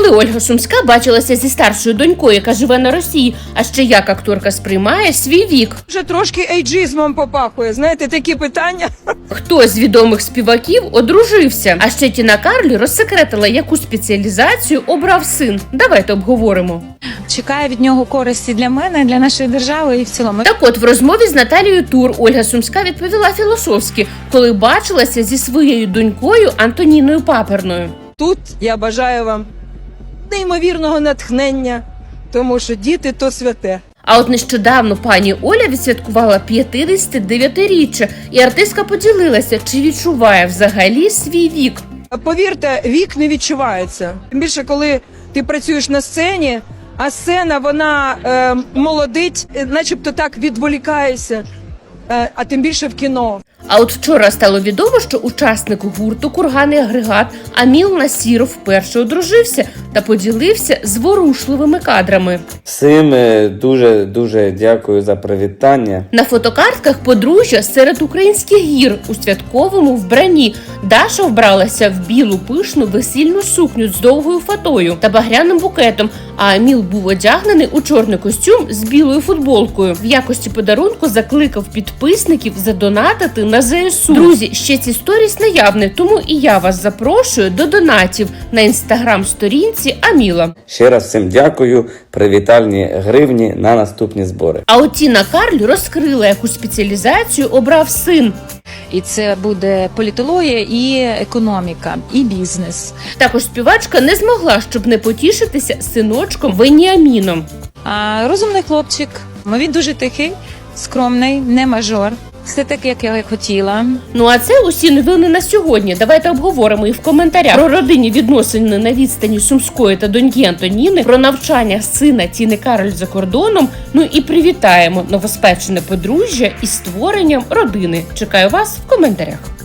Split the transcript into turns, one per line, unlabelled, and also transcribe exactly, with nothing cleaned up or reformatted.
Коли Ольга Сумська бачилася зі старшою донькою, яка живе на Росії, а ще як акторка сприймає свій вік?
Вже трошки ейджизмом попахує, знаєте, такі питання.
Хто з відомих співаків одружився? А ще Тіна Карль розсекретила, яку спеціалізацію обрав син. Давайте обговоримо.
Чекає від нього користі для мене, для нашої держави і в цілому.
Так от, в розмові з Наталією Тур Ольга Сумська відповіла філософськи, коли бачилася зі своєю донькою Антоніною Паперною.
Тут я бажаю вам неймовірного натхнення, тому що діти – то святе.
А от нещодавно пані Оля відсвяткувала п'ятдесятидев'ятиріччя, і артистка поділилася, чи відчуває взагалі свій вік.
Повірте, вік не відчувається. Тим більше, коли ти працюєш на сцені, а сцена, вона е, молодить, начебто так відволікаєшся, е, а тим більше в кіно.
А от вчора стало відомо, що учасник гурту «Курганний агрегат» Аміл Насіров вперше одружився та поділився зворушливими кадрами.
Всім дуже-дуже дякую за привітання.
На фотокартках подружжя серед українських гір у святковому вбранні. Даша вбралася в білу пишну весільну сукню з довгою фатою та багряним букетом, а Аміл був одягнений у чорний костюм з білою футболкою. В якості подарунку закликав підписників задонатити на зе ес у. Друзі, ще ці сторіс наявні, тому і я вас запрошую до донатів на інстаграм-сторінці Аміла.
Ще раз всім дякую, привітальні гривні на наступні збори.
А от Тіна Карль розкрила, яку спеціалізацію обрав син.
І це буде політологія і економіка, і бізнес.
Також співачка не змогла, щоб не потішитися синочком Веніаміном.
А розумний хлопчик, він дуже тихий, скромний, не мажор. Все так, як я хотіла.
Ну а це усі новини на сьогодні. Давайте обговоримо і в коментарях про родинні відносини на відстані Сумської та доньки Антоніни, про навчання сина Тіни Карль за кордоном, ну і привітаємо новоспечене подружжя із створенням родини. Чекаю вас в коментарях.